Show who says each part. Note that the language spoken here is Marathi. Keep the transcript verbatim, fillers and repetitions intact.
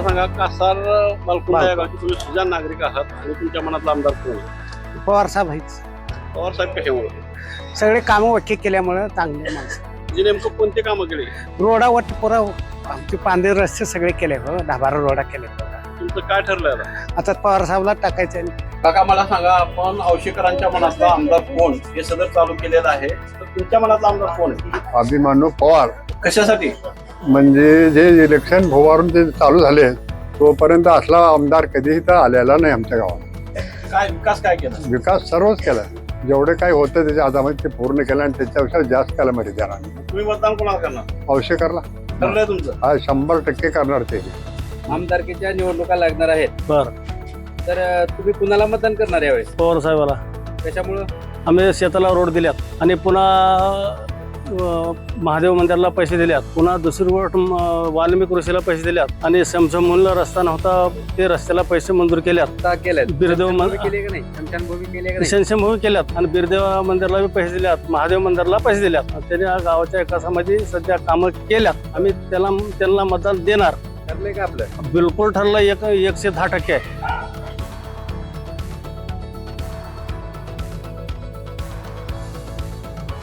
Speaker 1: सांगा, कासार बालकुंडा या गावचे तुम्ही सुजाण नागरिक आहात आणि तुमच्या मनातला आमदार कोण आहे?
Speaker 2: पवार साहेब आहेच.
Speaker 1: पवार साहेब कशामुळे?
Speaker 2: सगळे कामं वट्टी केल्यामुळे चांगले माणसं.
Speaker 1: जे नेमकं कोणते कामं केले?
Speaker 2: रोडा वट पुरा आमचे पांढरे रस्ते सगळे केले हो, दहा बारा रोडा केले.
Speaker 1: तुमचं काय ठरलं आता?
Speaker 2: आता पवार साहेबला टाकायचं.
Speaker 1: काका मला सांगा, आपण औशीकरांच्या मनातला आमदार कोण हे सदर चालू केलेलं आहे, तर तुमच्या मनातला आमदार कोण आहे?
Speaker 3: अभिमानू पवार.
Speaker 1: कशासाठी?
Speaker 3: म्हणजे जे इलेक्शन भोवारून ते चालू झाले तोपर्यंत असला आमदार कधीही तर आलेला नाही आमच्या गावात.
Speaker 1: काय विकास काय केला?
Speaker 3: विकास सर्वच केला, जेवढे काही होतं त्याच्या आधामध्ये ते पूर्ण केलं आणि त्याच्यापेक्षा जास्त केला मध्ये त्याला.
Speaker 1: तुम्ही मतदान कोणाला करणार?
Speaker 3: औषधकरला
Speaker 1: ठरलंय तुमचं?
Speaker 3: हा शंभर टक्के करणार ते.
Speaker 4: आमदारकीच्या निवडणुका लागणार आहेत,
Speaker 5: बर
Speaker 4: तर अ, तुम्ही कुणाला मतदान करणार यावेळेस?
Speaker 5: पवार साहेबाला.
Speaker 4: त्याच्यामुळं
Speaker 5: आम्ही शेताला रोड दिल्यात आणि पुन्हा अ, महादेव मंदिराला पैसे दिल्यात, पुन्हा दुसरी गोष्ट म, वाल्मिक ऋषीला पैसे दिल्यात आणि समसमूलला रस्ता नव्हता ते रस्त्याला पैसे मंजूर केल्यात.
Speaker 4: का केलंय?
Speaker 5: बिरदेव मन-
Speaker 4: स्मशानभूमी केली का नाही? स्मशानभूमी केली का नाही?
Speaker 5: शनशंभूमी केल्यात आणि बिरदेव मंदिरला बी पैसे दिल्यात, महादेव मंदिरला पैसे दिल्यात. आणि त्याने या गावाच्या विकासामध्ये सध्या कामं केल्यात. आम्ही त्याला त्यांना मतदान देणार.
Speaker 4: ठरलंय का आपलं?
Speaker 5: बिलकुल ठरलं, एक एकशे दहा टक्के आहे.